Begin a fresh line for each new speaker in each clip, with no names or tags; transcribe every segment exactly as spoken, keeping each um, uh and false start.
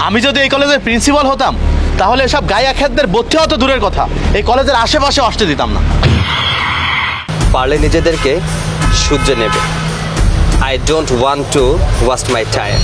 আমি যদি এই কলেজের প্রিন্সিপাল হতাম তাহলে এসব গায়া খেতদের ভর্তি হতো দূরের কথা, এই কলেজের আশেপাশে আসতে দিতাম না।
পারলে নিজেদেরকে সূর্যে নেবে। I don't want to waste my time.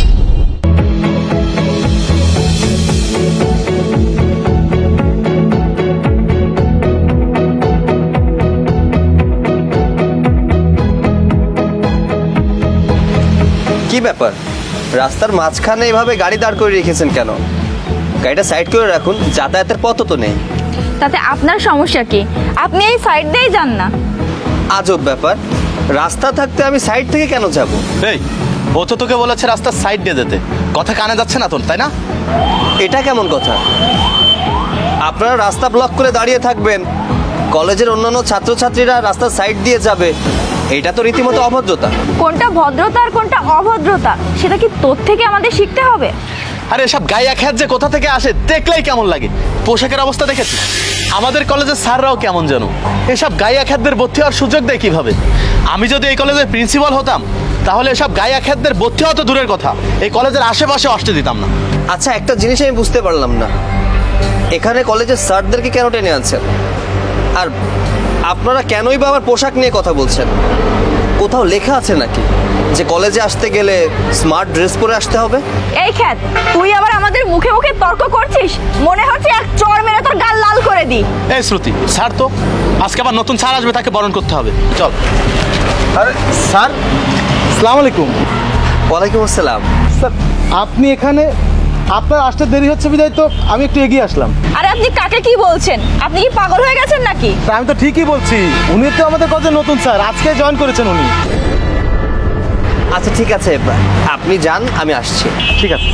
কি ব্যাপার, রাস্তার মাঝখানে এভাবে গাড়ি দাঁড় করে রেখেছেন কেন? গাড়িটা সাইড করে রাখুন, যাতায়াতের পথ তো নেই।
তাতে আপনার সমস্যা কি? আপনি এই সাইড দিয়েই যান না।
আজব ব্যাপার, রাস্তা থাকতে আমি সাইড থেকে কেন যাব?
এই, ও তো তোকে বলেছে রাস্তার সাইড দিয়ে যেতে, কথা কানে যাচ্ছে না তোর, তাই না?
এটা কেমন কথা? আপনারা রাস্তা ব্লক করে দাঁড়িয়ে থাকবেন, কলেজের অন্যান্য ছাত্রছাত্রীরা রাস্তার সাইড দিয়ে যাবে, এটা তো রীতিমতো অভদ্রতা।
কোনটা ভদ্রতা আর কোনটা অভদ্রতা সেটা কি তোর থেকে আমাদের শিখতে হবে?
আরে এসব গায়া খেত যে কোথা থেকে আসে দেখলেই কেমন লাগে। পোশাকের অবস্থা দেখেছিস? আমাদের কলেজের স্যাররাও কেমন যেন। এসব গায়া খেতদের ভর্তি হওয়ার সুযোগ দেয় কিভাবে? আমি যদি এই কলেজের প্রিন্সিপাল হতাম তাহলে এসব গায়া খেতদের ভর্তি হতো দূরের কথা, এই কলেজের আশেপাশে আসতে দিতাম না।
আচ্ছা, একটা জিনিস আমি বুঝতে পারলাম না, এখানে কলেজের স্যারদেরকে কেন টেনে আনছেন? আর আপনারা কেনই বা আমার পোশাক নিয়ে কথা বলছেন? কোথাও লেখা আছে নাকি যে কলেজে আসতে গেলে স্মার্ট ড্রেস পরে আসতে হবে?
এই খ্যাত, তুই আবার আমাদের মুখে মুখে তর্ক করছিস? মনে হচ্ছে এক চড় মেরে তোর গাল লাল করে দি।
এই শ্রুতি, স্যার তো আজকে আবার নতুন স্যার আসবে, তাকে বরণ করতে হবে, চল।
আরে স্যার, আসসালামু আলাইকুম।
ওয়ালাইকুম আসসালাম।
স্যার, আপনি এখানে, আপনার আসতে দেরি হচ্ছে বিধায় তো আমি একটু এগিয়ে আসলাম।
আরে আপনি কাকে কি বলছেন? আপনি কি পাগল হয়ে গেছেন নাকি?
তা আমি তো ঠিকই বলছি, উনি তো আমাদের কলেজের নতুন স্যার, আজকে জয়েন করেছেন উনি।
আচ্ছা ঠিক আছে, আপনি যান, আমি আসছি।
ঠিক আছে।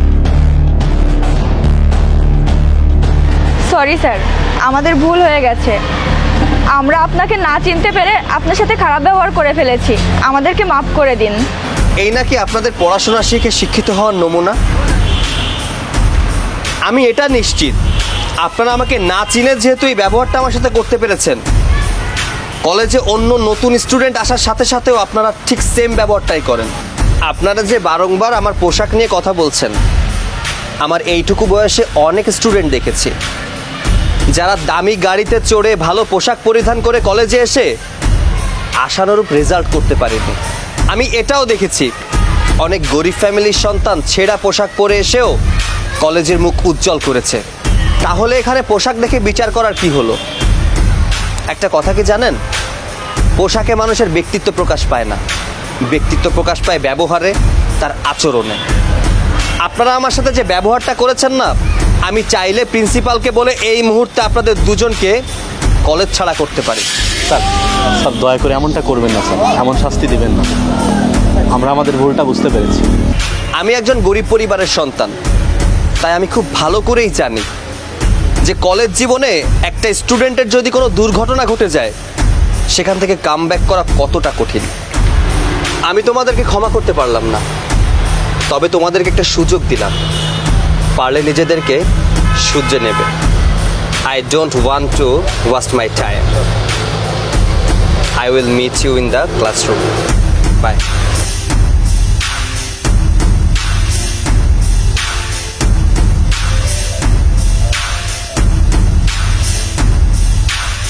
সরি স্যার, আমাদের ভুল হয়ে গেছে। আমরা আপনাকে না চিনতে পেরে আপনার সাথে খারাপ ব্যবহার করে ফেলেছি, আমাদেরকে মাফ করে দিন।
এই নাকি আপনাদের পড়াশোনা শিখে শিক্ষিত হওয়ার নমুনা? আমি এটা নিশ্চিত আপনারা আমাকে না চিনে যেহেতু এই ব্যবহারটা আমার সাথে করতে পেরেছেন, কলেজে অন্য নতুন স্টুডেন্ট আসার সাথে সাথেও আপনারা ঠিক সেম ব্যবহারটাই করেন। আপনারা যে বারংবার আমার পোশাক নিয়ে কথা বলছেন, আমার এইটুকু বয়সে অনেক স্টুডেন্ট দেখেছি যারা দামি গাড়িতে চড়ে ভালো পোশাক পরিধান করে কলেজে এসে আশানুরূপ রেজাল্ট করতে পারেনি। আমি এটাও দেখেছি অনেক গরিব ফ্যামিলির সন্তান ছেঁড়া পোশাক পরে এসেও কলেজের মুখ উজ্জ্বল করেছে। তাহলে এখানে পোশাক দেখে বিচার করার কি হলো? একটা কথা কি জানেন, পোশাকে মানুষের ব্যক্তিত্ব প্রকাশ পায় না, ব্যক্তিত্ব প্রকাশ পায় ব্যবহারে, তার আচরণে। আপনারা আমার সাথে যে ব্যবহারটা করেছেন না, আমি চাইলে প্রিন্সিপালকে বলে এই মুহূর্তে আপনাদের দুজনকে কলেজ ছাড়া করতে পারি।
স্যার, স্যার দয়া করে এমনটা করবেন না স্যার, এমন শাস্তি দিবেন না। আমরা আমাদের ভুলটা বুঝতে পেরেছি।
আমি একজন গরিব পরিবারের সন্তান, তাই আমি খুব ভালো করেই জানি যে কলেজ জীবনে একটা স্টুডেন্টের যদি কোনো দুর্ঘটনা ঘটে যায়, সেখান থেকে কামব্যাক করা কতটা কঠিন। আমি তোমাদেরকে ক্ষমা করতে পারলাম না, তবে তোমাদেরকে একটা সুযোগ দিলাম, পারলে নিজেদেরকে সূর্যে নেবে। I don't want to waste my time. I will meet you in the classroom. By.